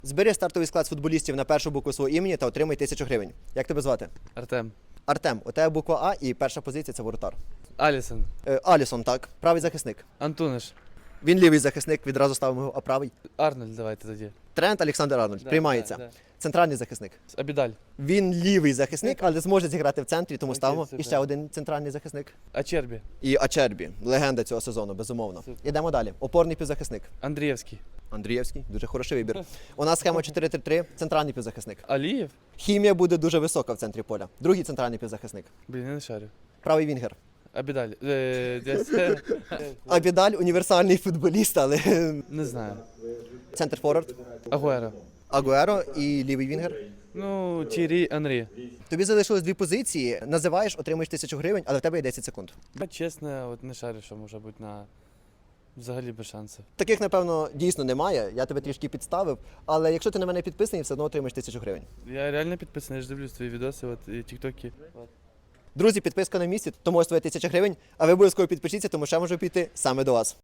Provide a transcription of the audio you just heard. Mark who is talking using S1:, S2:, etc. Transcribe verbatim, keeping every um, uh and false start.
S1: Збери стартовий склад з футболістів на першу букву свого імені та отримай тисячу гривень. Як тебе звати?
S2: Артем.
S1: Артем, у тебе буква А і перша позиція – це воротар.
S2: Алісон.
S1: Е, Алісон, так. Правий захисник.
S2: Антуниш.
S1: Він лівий захисник, відразу ставимо його, а правий.
S2: Арнольд, давайте тоді.
S1: Трент Олександр Арнольд.
S2: Да,
S1: Приймається.
S2: да, да.
S1: Центральний захисник.
S2: Абідаль.
S1: Він лівий захисник, але зможе зіграти в центрі, тому
S2: Окей,
S1: ставимо.
S2: супер.
S1: І ще один центральний захисник.
S2: Ачербі.
S1: І Ачербі, легенда цього сезону, безумовно.
S2: Супер.
S1: Ідемо далі. Опорний півзахисник.
S2: Андрієвський.
S1: Андрієвський, дуже хороший вибір. У нас схема чотири три три, центральний півзахисник.
S2: Алієв.
S1: Хімія буде дуже висока в центрі поля. Другий центральний півзахисник.
S2: Блін, я не шарю.
S1: Правий вінгер.
S2: Абідаль. Е, десь.
S1: Абідаль універсальний футболіст, але
S2: Не знаю.
S1: центр форвард.
S2: Агуеро.
S1: Агуеро і лівий вінгер.
S2: Ну, Тірі Анрі.
S1: Тобі залишилось дві позиції. Називаєш, отримаєш тисячу гривень, але в тебе є десять секунд.
S2: Я чесно, от не шарю, що може бути на взагалі без шансів.
S1: Таких, напевно, дійсно немає. Я тебе трішки підставив. Але якщо ти на мене підписаний, все одно отримаєш тисячу гривень.
S2: Я реально підписаний, я ж дивлюсь твої відоси, от і тіктоки. От.
S1: Друзі, підписка на місці, тому ось твоя тисяча гривень. А ви обов'язково підпишіться, тому що я можу піти саме до вас.